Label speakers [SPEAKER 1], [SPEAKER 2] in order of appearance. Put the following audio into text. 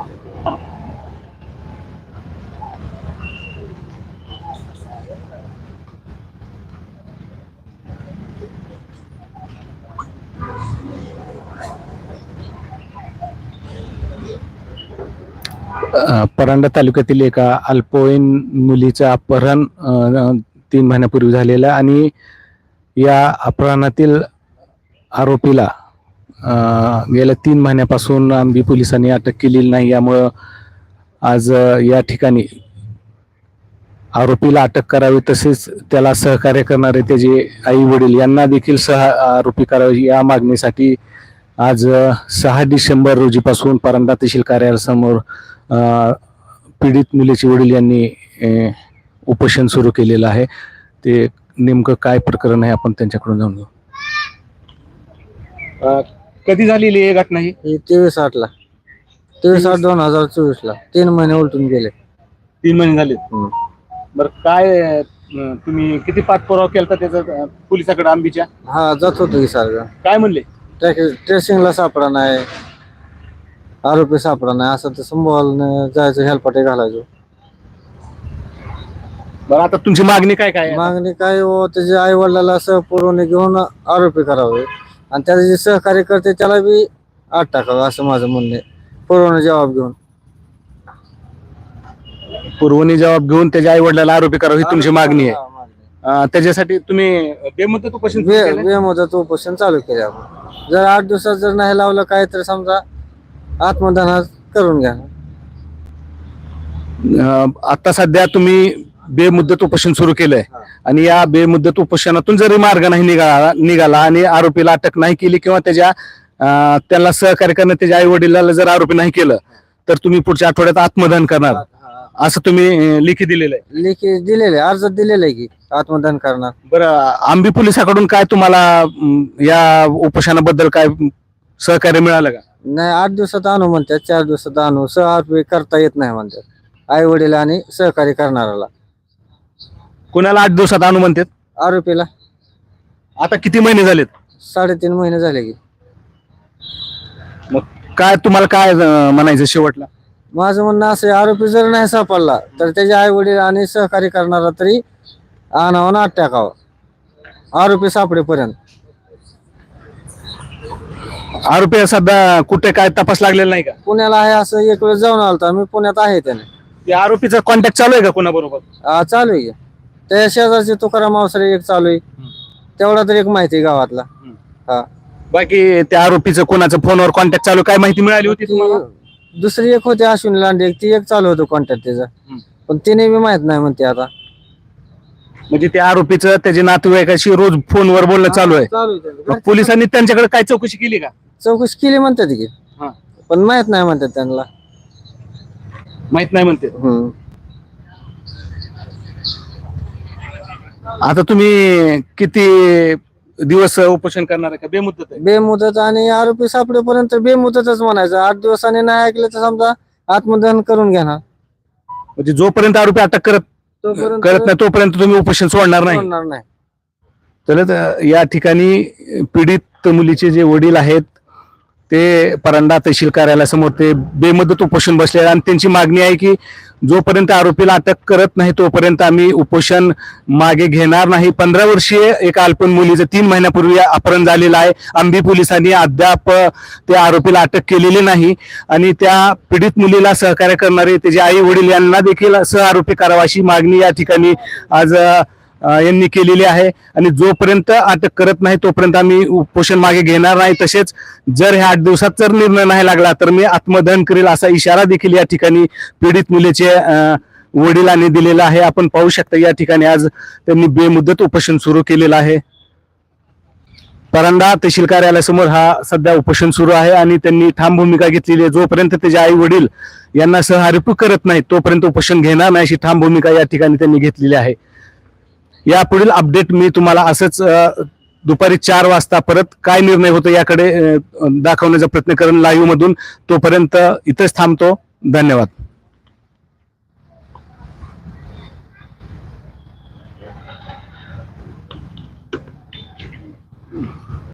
[SPEAKER 1] परांडा तालुक्यातील एका अल्पवयीन मुलीचं अपहरण 3 महिन्यापूर्वी झालेलं आणि या अपहरणातील आरोपीला गेल्या 3 महिन्यापासून आंबी पोलिसांनी अटक केलेली नाही। यामुळं आज या ठिकाणी आरोपीला अटक करावी तसेच त्याला सहकार्य करणारे त्याचे आई वडील यांना देखील आरोपी करावे या मागणीसाठी आज 6 डिसेंबर रोजीपासून परांडा तहसील कार्यालयासमोर पीडित मुलीचे वडील यांनी उपोषण सुरू केलेलं आहे। ते नेमकं काय प्रकरण आहे आपण त्यांच्याकडून जाणून घेऊ। कधी झालेली ही घटना? ही
[SPEAKER 2] 23/8 2024 ला 3 महिने उलटून गेले।
[SPEAKER 1] 3 महिने झाले। बरं, काय तुम्ही किती पाठपुरावा केला त्याचा पोलिसाकडे आंबीच्या?
[SPEAKER 2] हा, जात होतो की सारखं।
[SPEAKER 1] काय म्हणले?
[SPEAKER 2] ट्रेसिंगला सापडा नाही, आरोपी सापडा नाही, असं तर संभवाला जायचं, हेलपाटे घालायचो।
[SPEAKER 1] बरं, आता तुमची मागणी काय काय?
[SPEAKER 2] मागणी काय हो, त्याच्या आई वडिलाला सहपुरवणी घेऊन आरोपी करावे आणि त्याचे जे सहकार्य करते त्याला बी आत टाकावं, असं माझं म्हणणं आहे। पुरवणी जबाब घेऊन
[SPEAKER 1] पुरवणी जबाब घेऊन त्याच्या आई वडिलाला आरोपी करावं ही तुमची मागणी आहे। त्याच्यासाठी तुम्ही बेमुदत उपोषण
[SPEAKER 2] बेमुदत उपोषण चालू केले आपण। जर 8 दिवसात जर नाही लावलं काय तर समजा आत्मदहन करून घ्या।
[SPEAKER 1] आता सध्या तुम्ही बेमुदत उपोषण सुरू केलंय आणि या बेमुदत उपोषणातून जरी मार्ग नाही निघाला आणि आरोपीला अटक नाही केली किंवा त्याला सहकार्य करणं त्याच्या आई वडिलाला जर आरोपी नाही केलं तर तुम्ही पुढच्या आठवड्यात आत्मदहन करणार असं तुम्ही लेखी दिलेलं आहे?
[SPEAKER 2] लेखी दिलेलं आहे, अर्जात दिलेलं आहे की आत्मदहन करणार।
[SPEAKER 1] बरं, आंबी पोलिसाकडून काय तुम्हाला या उपोषणाबद्दल काय सहकार्य मिळालं का?
[SPEAKER 2] नाही, 8 दिवसात आणू म्हणतात, 4 दिवसात आणू, सहआरोपी करता येत नाही म्हणतात आई वडील आणि सहकार्य करणाऱ्याला।
[SPEAKER 1] कोणाला 8 दिवसात आणू म्हणतात?
[SPEAKER 2] आरोपीला।
[SPEAKER 1] आता किती महिने झालेत?
[SPEAKER 2] 3.5 महिने झाले की।
[SPEAKER 1] मग काय तुम्हाला काय म्हणायचं शेवटला?
[SPEAKER 2] माझं म्हणणं असं, आरोपी जर नाही सापडला तर त्याचे आई वडील आणि सहकार्य करणारा तरी आणावं ना टाकावं आरोपी सापडेपर्यंत।
[SPEAKER 1] आरोपी सध्या कुठे काय तपास लागलेला नाही का?
[SPEAKER 2] पुण्याला आहे, असं एक वेळ जाऊन आलता मी, पुण्यात आहे त्याने।
[SPEAKER 1] आरोपीचा कॉन्टॅक्ट चालू आहे का कोणाबरोबर?
[SPEAKER 2] चालू आहे, त्या शेजारचे तुकाराम अवसरे एक चालू आहे, तेवढा तर एक माहिती गावातला। हा,
[SPEAKER 1] बाकी त्या आरोपीचं कोणाचं फोनवर कॉन्टॅक्ट चालू काय माहिती मिळाली होती तुम्हाला?
[SPEAKER 2] दुसरी एक होती अश्विनी लांडे, ती एक चालू होतं कॉन्टॅक्ट त्याचा, पण तिने बी माहित नाही म्हणते आता।
[SPEAKER 1] म्हणजे त्या आरोपीचं त्याच्या नातेवाईकाशी रोज फोनवर बोलणं चालू आहे। मग पोलिसांनी त्यांच्याकडे काय चौकशी केली का?
[SPEAKER 2] चौकशी केली म्हणतात की, पण माहित नाही म्हणतात त्यांना।
[SPEAKER 1] माहित नाही म्हणते। आता तुम्ही किती दिवस उपोषण करणार आहे का बेमुदत आहे?
[SPEAKER 2] बेमुदत, आणि आरोपी सापडेपर्यंत बेमुदतच म्हणायचं। 8 दिवसांनी नाही ऐकलं तर समजा आत्मदहन करून घेणार।
[SPEAKER 1] म्हणजे जोपर्यंत आरोपी अटक करत नाही तोपर्यंत तुम्ही उपोषण सोडणार नाही? तर या ठिकाणी पीडित मुलीचे जे वडील आहेत ते परांडा तहसील कार्यालयासमोर ते बेमुदत उपोषण बसले आणि त्यांची मागणी आहे की जोपर्यंत आरोपीला अटक करत नाही तोपर्यंत आम्ही उपोषण मागे घेणार नाही। 15 वर्षीय एका अल्पवयीन मुलीचं 3 महिन्यापूर्वी अपहरण झालेलं आहे। आंबी पोलिसांनी अद्याप त्या आरोपीला अटक केलेली नाही आणि त्या पीडित मुलीला सहकार्य करणारे त्याचे आई वडील यांना देखील सहआरोपी करावा अशी मागणी या ठिकाणी आज यांनी केलेली आहे। आणि जोपर्यंत अटक करत नाही तोपर्यंत आम्ही उपोषण मागे घेणार नाही। तसेच जर ह्या 8 दिवसात जर निर्णय नाही लागला तर मी आत्मदहन करेल असा इशारा देखील या ठिकाणी पीडित मुलीचे वडिलांनी दिलेला आहे। आपण पाहू शकता या ठिकाणी आज त्यांनी बेमुदत उपोषण सुरू केलेलं आहे। परांडा तहसील कार्यालयासमोर हा सध्या उपोषण सुरू आहे आणि त्यांनी ठाम भूमिका घेतलेली आहे। जोपर्यंत त्याचे आई वडील यांना सहआरोपी करत नाही तोपर्यंत उपोषण घेणार नाही अशी ठाम भूमिका या ठिकाणी त्यांनी घेतलेली आहे। यापुढील अपडेट मी तुम्हाला असंच दुपारी 4 वाजता परत काय निर्णय होतो याकडे दाखवण्याचा प्रयत्न करेन लाईव्ह मधून। तोपर्यंत इथेच थांबतो। धन्यवाद।